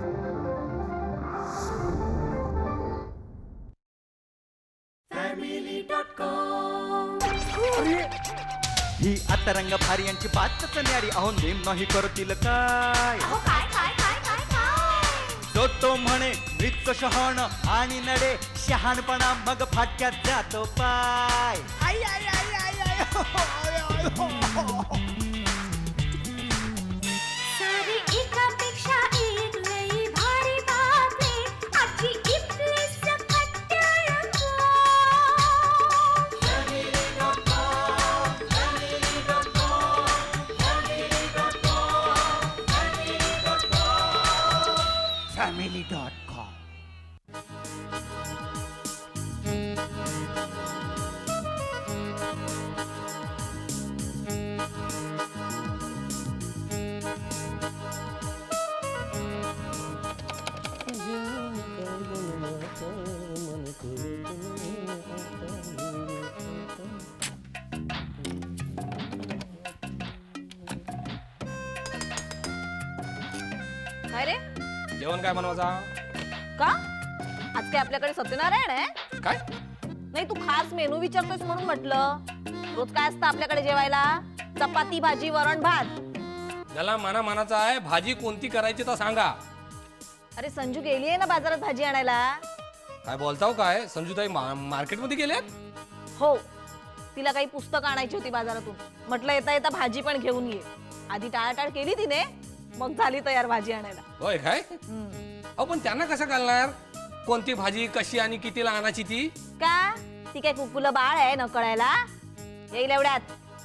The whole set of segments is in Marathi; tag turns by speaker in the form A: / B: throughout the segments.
A: ही आता रंग भारी यांची बातच न्यारी. अहो नेम नाही करतील काय. जो तो म्हणे मृत शहाण आणि नडे शहाणपणा मग फाटक्यात जातो पाय. आई आई आई आई आई हो, हो, आय, आय, हो, हो.
B: सारी एकापेक्षा एक लई भारी बातमी आजची इथली सकट रंगो.
A: family.com.
C: काय रे
D: जेवण काय बनवायचा?
C: का आज काय आपल्याकडे सत्यनारायण आहे?
D: काय
C: नाही तू खास मेनू विचारतोस म्हणून म्हटलं. रोज काय असतं आपल्याकडे जेवायला? चपाती भाजी वरण भात.
D: ज्याला मानाचा आहे भाजी कोणती करायची तर सांगा.
C: अरे संजू गेली आहे ना बाजारात भाजी आणायला.
D: काय बोलताव काय? संजूताई मार्केटमध्ये गेल्यात?
C: हो तिला काही पुस्तक आणायची होती बाजारातून. म्हटलं येता येता भाजी पण घेऊन ये. आधी टाळाटाळ केली तिने मग झाली तयार भाजी आणायला.
D: होय काय? अहो पण त्यांना कसं कळणार कोणती भाजी कशी आणि कितीला आणायची ती?
C: का ती काय कुकुला बाळ आहे न कळायला? येईल एवढ्यात.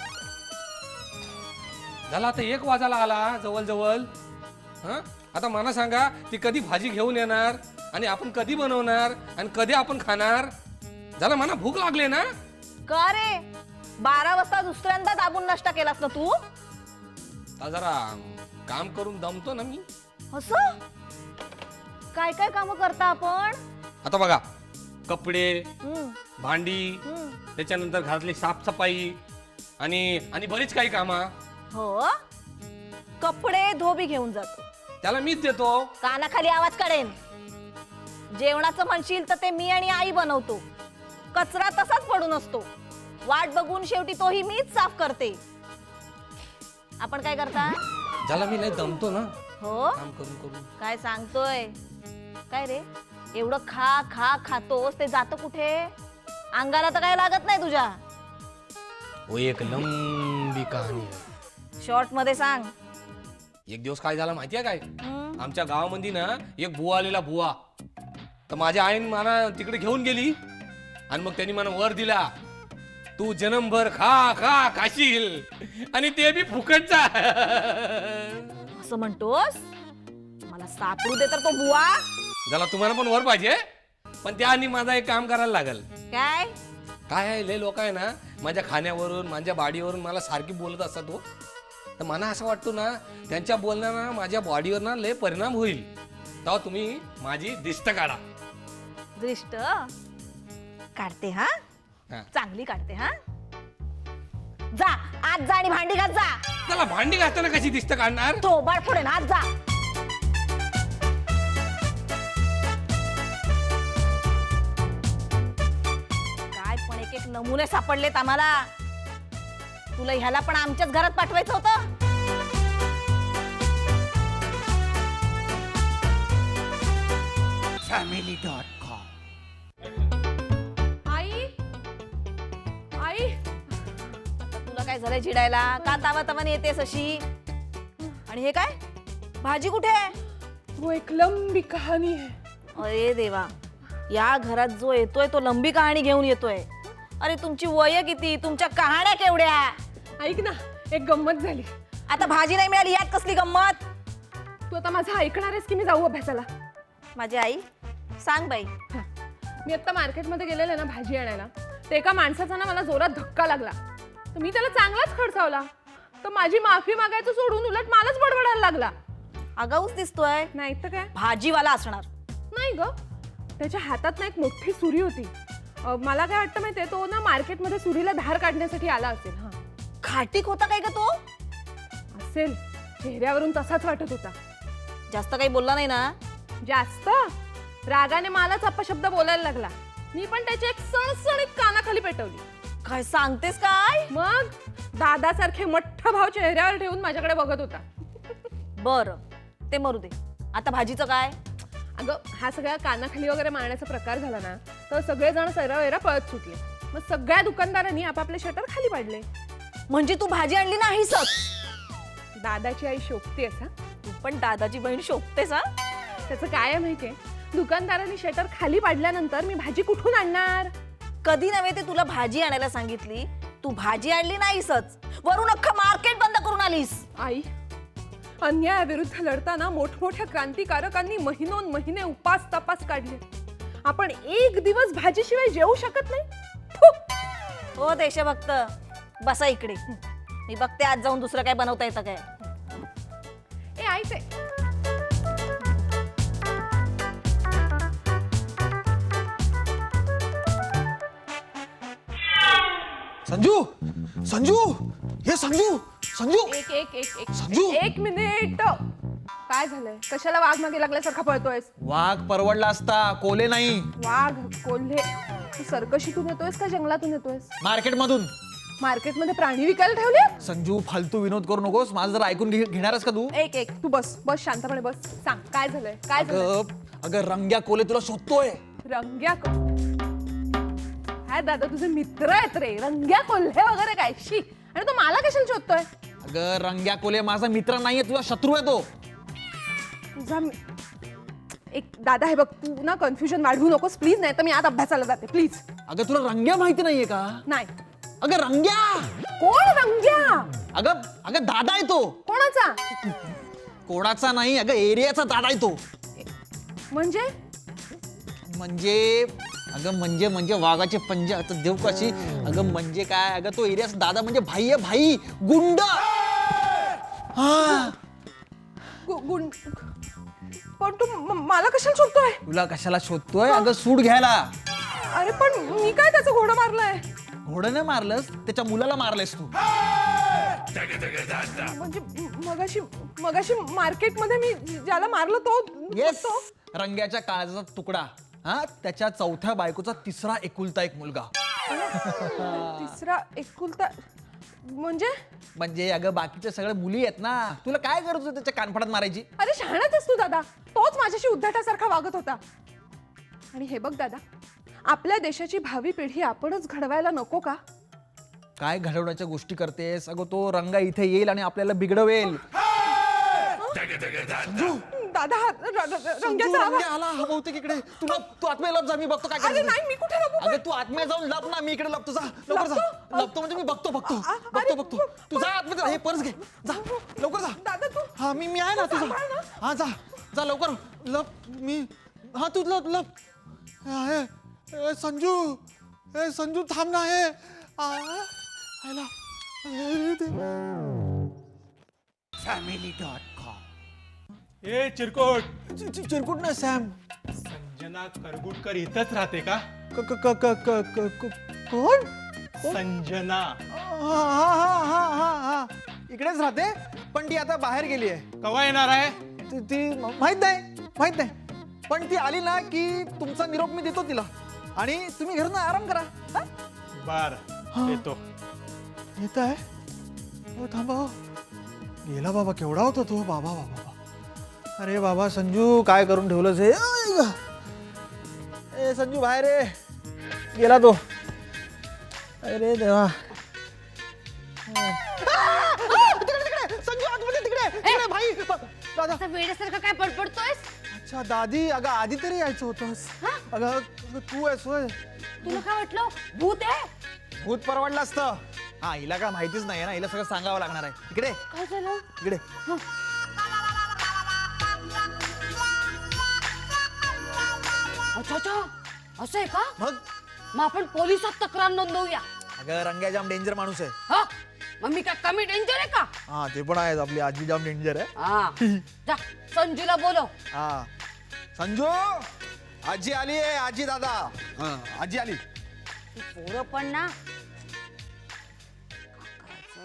D: झाला आता 1 वाजायला आला जवळ जवळ. हा आता मला सांगा ती कधी भाजी घेऊन येणार आणि आपण कधी बनवणार आणि कधी आपण खाणार? झाला मला भूक लागली ना.
C: का रे 12 वाजता दुसऱ्यांदा दाबून नाश्ता केलास ना तू?
D: आता जरा काम करून दमतो ना मी.
C: असं काय काय काम करता आपण?
D: आता बघा कपडे
C: हम्म,
D: भांडी
C: हम्म.
D: त्याच्यानंतर घरातली साफसफाई आणि आणि बरीच काही कामं.
C: हो कपडे धोबी घेऊन जातो.
D: त्याला मीच देतो.
C: कानाखाली आवाज काढेन. जेवणाचं म्हणशील तर ते मी आणि आई बनवतो. कचरा तसाच पडून असतो. वाट बघून शेवटी तोही मीच साफ करते. आपण काय करता?
D: ज्याला मी नाही दमतो ना
C: हो
D: काम करून करून.
C: काय सांगतोय? काय रे एवढं खा खा खातोस ते जातं कुठे? अंगाला तर काय लागत नाही तुझ्या.
D: वो एक लंबी कहाणी आहे.
C: शॉर्ट मध्ये सांग.
D: एक दिवस काय झाला माहितीये काय?
C: हम्म.
D: आमच्या गावामध्ये ना एक बुवा आलेला बुवा. तर माझ्या आईन मला तिकडे घेऊन गेली आणि मग त्यांनी मला वर दिला. तू जन्मभर खा खा खाशील आणि ते बी फुकटचा.
C: असं म्हणतोस? मला सापडू दे तर तो बुवा.
D: झाला तुम्हाला पण वर पाहिजे पण त्याआधी माझा एक काम करायला लागल.
C: काय
D: काय आहे लय लोक आहे ना माझ्या खाण्यावरून माझ्या बॉडीवरून मला सारखी बोलत असतात. हो तर मला असं वाटतं ना त्यांच्या बोलण्यानं माझ्या बॉडीवर ना लय परिणाम होईल. तेव्हा तुम्ही माझी दिष्ट काढा.
C: दृष्ट काढते हा.
D: हा.
C: चांगली काढते हा. जा आज जा आणि भांडी घास जा.
D: त्याला भांडी घासताना कशी दिष्ट काढणार?
C: थोबाड फोडेन आज जा. काय पण एक एक नमुने सापडलेत आम्हाला. तुला ह्याला पण आमच्याच घरात पाठवायचं होतं.
A: family.com.
C: आई आई तुला काय झालंय चिडायला? का तावा तावाने येतेस अशी? आणि हे काय भाजी कुठे आहे?
E: वो एक लंबी कहानी है.
C: अरे देवा या घरात जो येतोय तो लंबी कहाणी घेऊन येतोय. अरे तुमची वय किती? तुमच्या कहाण्या केवढ्या?
E: ऐक ना एक गंमत झाली.
C: आता भाजी नाही मिळाली यात कसली गंमत?
E: तू आता माझं ऐकणार आहेस की मी जाऊ अभ्यासाला?
C: माझी आई सांग बाई.
E: मी आता मार्केटमध्ये गेलेले ना भाजी आणायला. तर एका माणसाचा ना मला जोरात धक्का लागला. तर मी त्याला चांगलाच खडसावला. तर माझी माफी मागायचं सोडून उलट मलाच बडबडायला लागला.
C: आगाऊच दिसतोय.
E: नाही तर काय.
C: भाजीवाला असणार.
E: नाही ग त्याच्या हातात ना एक मोठी सुरी होती. मला काय वाटतं माहितीये तो ना मार्केटमध्ये सुरीला धार काढण्यासाठी आला असेल. हा
C: खाटीक होता काय ग तो?
E: असेल चेहऱ्यावरून तसाच वाटत होता.
C: जास्त काही बोलला नाही ना?
E: जास्त रागाने मलाच अपशब्द बोलायला लागला. मी पण त्याची एक सणसणीत कानाखाली पेटवली.
C: काय सांगतेस काय?
E: मग दादासारखे मोठा भाव चेहऱ्यावर ठेवून माझ्याकडे बघत होता.
C: बर ते मरू दे, आता भाजीचं काय?
E: अगं हा सगळ्या कानाखाली वगैरे मारण्याचा प्रकार झाला ना तर सगळेजण सैरावैरा पळत सुटले. मग सगळ्या दुकानदारांनी आपापले शटर खाली पाडले.
C: म्हणजे तू भाजी आणली नाहीस?
E: दादाची आई शोभतेस हा.
C: तू पण दादाची बहीण शोभतेस हा?
E: त्याचं काय आहे माहितीये, दुकानदारांनी शटर खाली पाडल्यानंतर मी भाजी कुठून आणणार?
C: कधी नव्हे ते तुला भाजी आणायला सांगितली, तू भाजी आणली नाहीसच, वरून अख्खं मार्केट बंद करून आलीस.
E: आई, अन्यायाविरुद्ध लढताना मोठमोठ्या क्रांतिकारकांनी महिनोन महिने उपास तपास काढले. आपण एक दिवस भाजीशिवाय जेवू शकत नाही. फु!
C: हो देशभक्त, बसा इकडे. मी बघते आज जाऊन दुसरं काय बनवता येतं काय.
E: ए आई ते
F: संजू संजू हे संजू संजू
E: एक एक एक एक
F: संजू!
E: एक मिनिट. काय झालंय? कशाला वाघ मागे लागल्यासारखा पळतोयस?
F: वाघ परवडला असता, कोले नाही.
E: वाघ कोल्हे तू सर्कशीतून येतोयस का जंगलातून येतोयस?
F: मार्केट मधून.
E: मार्केटमध्ये प्राणी विकायला ठेवले?
F: संजू फालतू विनोद करू नकोस, माझं जर ऐकून घेणारच का तू?
E: एक एक तू बस बस शांतपणे बस. सांग काय झालंय? काय झालंय?
F: अगं रंग्या कोले तुला शोधतोय.
E: रंग्या काय दादा तुझे मित्र आहेत रे. रंग्या कोल्हे वगैरे काय शी. आणि तो मला कशाला शोधतोय?
F: अगं रंग्या कोले माझा मित्र नाहीये, तुझा शत्रू आहे तो.
E: तुझा एक दादा हे बघ, तू ना कन्फ्युजन वाढवू नकोस प्लीज, नाही तर मी आज अभ्यासाला जाते प्लीज.
F: अगं तुला रंग्या माहिती नाहीये का?
E: नाही.
F: अगं रंग्या.
E: कोण रंग्या?
F: अगं अगं दादा आहे तो.
E: कोणाचा?
F: कोणाचा नाही, अगं एरियाचा दादा आहे तो.
E: म्हणजे
F: म्हणजे अगं म्हणजे वाघाचे पंजे आता देव कशी. अगं म्हणजे काय, अगं तो एरियाचा दादा म्हणजे भाई आहे, भाई गुंड. हा
E: गुंड. पण तू मला कशाला शोधतोय?
F: तुला कशाला शोधतोय? अगं सूट घ्यायला.
E: अरे पण मी काय त्याचं घोडं मारलंय?
F: घोडं मारलंस, त्याच्या मुलाला मारलेस तू.
E: म्हणजे मगाशी मार्केटमध्ये मी ज्याला मारलं तो
F: येस,
E: तो?
F: रंग्याच्या काळजाचा तुकडा. हा त्याच्या चौथ्या बायकोचा तिसरा एकुलता एक मुलगा.
E: तिसरा एकुलता म्हणजे
F: अगं बाकीच्या सगळ्या मुली आहेत ना, तुला काय गरज होती त्याच्या कानफडात मारायची?
E: अरे शहाणाच आहेस तू दादा. तोच माझ्याशी उद्धटासारखा वागत होता. आणि हे बघ दादा, आपल्या देशाची भावी पिढी आपणच घडवायला नको का?
F: काय घडवण्याच्या गोष्टी करतेस? अगं तो रंगा इथे येईल आणि आपल्याला बिघडवेल.
E: दादा रंग्याचा आवाज.
F: रंग्या आला हा बहुतेक इकडे. तू आत्म्या लप जा, मी बघतो काय
E: अरे
F: करायचं.
E: नाही, मी कुठे लपू?
F: अगं तू आत्म्या जाऊन लप ना, मी इकडे लपतो. जा लवकर जा. लपतो म्हणजे मी बघतो. तू जा आतमध्ये जा, हे पर्स घे. जा लवकर जा.
E: दादा तू
F: हा मी आहे ना, तू
E: सांभाळ ना.
F: जा. हा जा लवकर लप. मी हा तू लप. ए संजू थांब ना. हे
A: family.com. ए चिरकोट,
F: चिरकुट ना सॅम.
A: संजना करगुटकर इथंच राहते का?
F: कोण?
A: संजना
F: हा इकडेच राहते, पण ती आता बाहेर गेली आहे.
A: कवा येणार आहे?
F: ती माहित नाही, पण ती आली ना की तुमचा निरोप मी देतो तिला आणि तुम्ही घरून आराम करा. हा?
A: बर येतो.
F: येत आहे. थांबा हो. गेला बाबा, केवढा होता तो. बाबा. अरे बाबा संजू काय करून ठेवलंस हे. ए संजू बाहेर रे. गेला तो. अरे देवा. तिकडे संजू आतमध्ये तिकडे भाई. दादा
B: वेड्यासारखं काय बडबडतोयस?
F: अच्छा दादी, अगं आधी तरी यायचं होतंस. अगं तू आहेस होय.
B: तुला काय वाटलं भूत आहे?
F: भूत परवडलं असतं. हा हिला काय माहितीच नाही ना, हिला सगळं सांगावं लागणार आहे. इकडे
B: काय झालं?
F: इकडे.
B: अच्छा असं आहे का?
F: मग
B: आपण पोलिसात तक्रार नोंदवूया.
F: अगं रंग्या जाम डेंजर माणूस आहे.
B: हा मग मी काय कमी डेंजर आहे का?
F: हा ते पण आहे. आपली आजी जाम डेंजर आहे.
B: हा जा संजूला बोलव.
F: हा संजू, आजी आली आहे. आजी दादा. आजी आली.
B: पोरं पण ना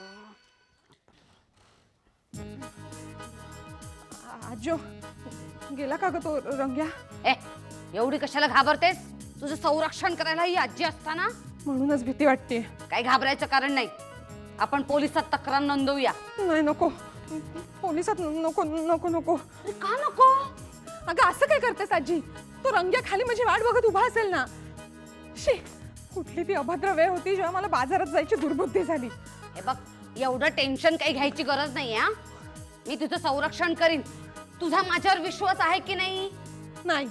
E: आजो गेला का ग तो रंग्या?
B: ए एवढी कशाला घाबरतेस? तुझं संरक्षण करायला ही आजी असताना
E: म्हणूनच भीती वाटते.
B: काही घाबरायचं कारण नाही. आपण पोलिसात तक्रार नोंदवूया.
E: नाही नको, पोलिसात नको नको नको.
B: अरे का नको?
E: अगं असं काय करतेस आजी? तो रंग्या खाली माझी वाट बघत उभा असेल ना. शी, कुठली ती अभद्र वेळ होती जेव्हा मला बाजारात जायची दुर्बुद्धी झाली.
B: हे बघ एवढं टेन्शन काही घ्यायची गरज नाही. हा मी तुझं संरक्षण करीन. तुझा माझ्यावर विश्वास आहे की नाही?
E: नाही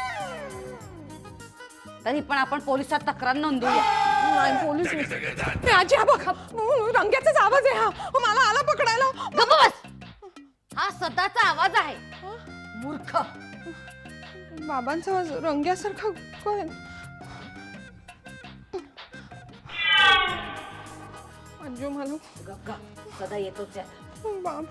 B: तरी पण आपण पोलिसात तक्रार नोंदवूया.
E: नाही पोलीस नाही. आजी हा बघ, रंग्याचाच आवाज आहे हा. मला आला पकडायला.
B: गप्प बस. हा सदाचा आवाज आहे. मूर्ख.
E: बाबांचा आवाज रंग्यासारखा काय? अंजू मला
B: गप्प सदा येतोच आहे.
E: बाबा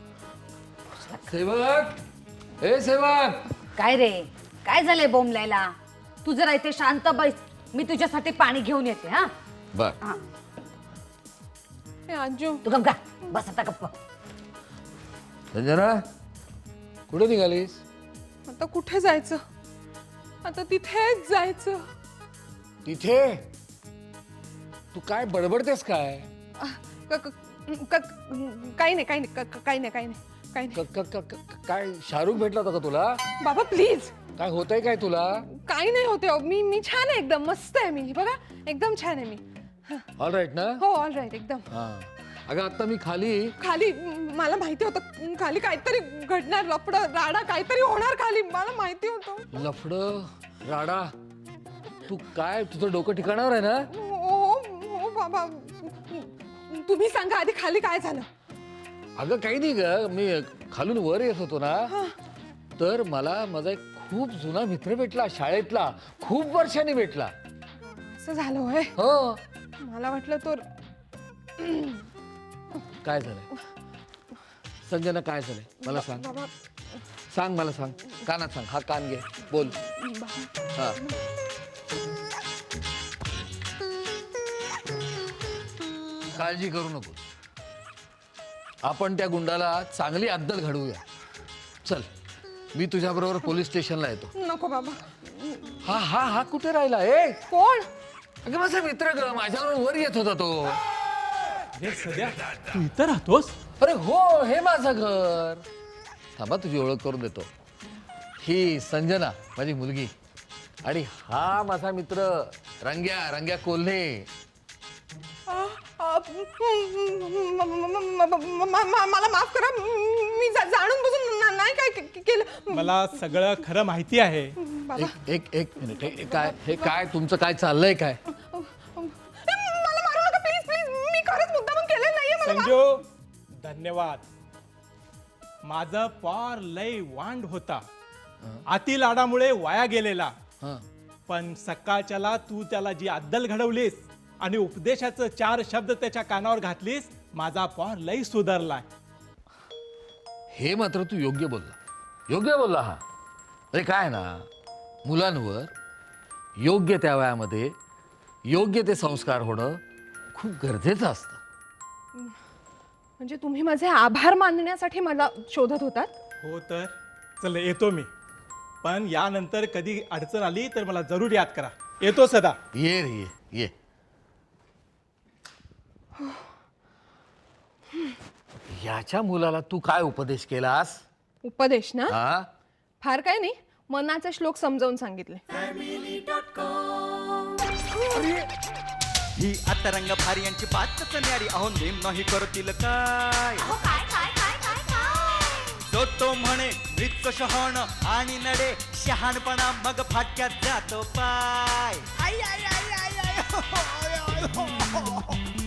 D: सेवक, ए सेवक,
B: काय रे काय झालंय बोंबलायला? तू जरा इथे शांत बैस. मी तुझ्यासाठी पाणी घेऊन येते. हा
D: बर.
B: हा
E: हे अंजू
B: तू गप्प गा. बस आता गप्प.
D: संजना, कुठे निघालीस?
E: आता कुठे जायचं? आता तिथेच जायचं.
G: तिथे तू काय बडबडतेस काय?
E: काही नाही काही नाही काही नाही काही नाही काही नाही.
G: काय शाहरुख भेटला होता का तुला?
E: बाबा प्लीज.
G: काय होतंय काय तुला?
E: काही नाही होते. मी छान आहे एकदम. मस्त आहे मी. बघा एकदम छान आहे मी.
G: ऑल राईट ना?
E: हो ऑल राईट एकदम.
G: हा. अगं आता मी खाली
E: खाली मला माहिती होतं खाली काहीतरी घडणार. लफड राडा काहीतरी होणार खाली. मला माहिती होतं.
G: लफड राडा. तू काय तुझं डोकं ठिकाणावर आहे ना?
E: हो हो बाबा तुम्ही सांगा आधी खाली काय झालं?
G: अगं काही नाही ग, मी खालून वर येत होतो ना, तर मला माझा एक खूप जुना मित्र भेटला शाळेतला. खूप वर्षांनी भेटला.
E: असं झालं होय?
G: हो.
E: मला वाटलं तो
G: काय झालंय संजना? काय झालंय मला सांग.
E: बाबा
G: सांग मला सांग. कानात सांग. हा कान घे, बोल. हा. काळजी करू नको. आपण त्या गुंडाला चांगली अद्दल घडवूया. चल मी तुझ्या बरोबर पोलीस स्टेशनला येतो.
E: नको बाबा.
G: हा हा हा कुठे राहिला? ए
E: कोण?
G: अगं माझा मित्र ग, माझ्याबरोबर वर येत होता तो.
F: हे सध्या तू इथं राहतोस?
G: अरे हो, हे माझं घर. थांबा तुझी ओळख करून देतो. ही संजना माझी मुलगी आणि हा माझा मित्र रंग्या कोल्हे.
E: मला माफ करा. मी जाणून बुजून नाही काय केलं.
F: मला सगळं खरं माहिती आहे.
E: बाबा
G: एक मिनिट. हे काय तुमचं काय चाललंय काय?
E: मला मारू नका प्लीज प्लीज. मी खरंच मुद्दामून केलेलं नाहीये. मला
F: संजू धन्यवाद. माझं पार लय वांड होता. अति लाडामुळे वाया गेलेला.
G: हा.
F: पण सकाळच्याला तू त्याला जी अद्दल घडवलीस आणि उपदेशाचं 4 शब्द त्याच्या कानावर घातलीस, माझा पार लय सुधारलाय.
G: हे मात्र तू योग्य बोलला हा. अरे काय ना, मुलांवर योग्य त्या वयामध्ये योग्य ते संस्कार होणं खूप गरजेचं असतं.
E: म्हणजे तुम्ही माझे आभार मानण्यासाठी मला शोधत होतात?
F: हो तर चल येतो मी. पण यानंतर कधी अडचण आली तर मला जरूर याद करा. येतो सदा.
G: ये रे ये. याच्या मुलाला तू काय उपदेश केलास?
E: उपदेश ना?
G: हा.
E: फार काय नाही, मनाचे श्लोक समजावून सांगितले.
A: ही आता रंग भारी यांची बातच न्यारी. अहो नेम नाही करतील काय. जो तो म्हणे मृत शहाण आणि नडे शहाणपणा मग फाटक्यात जातो पाय. आई आई आई आई आई हो, हो, हो, हो.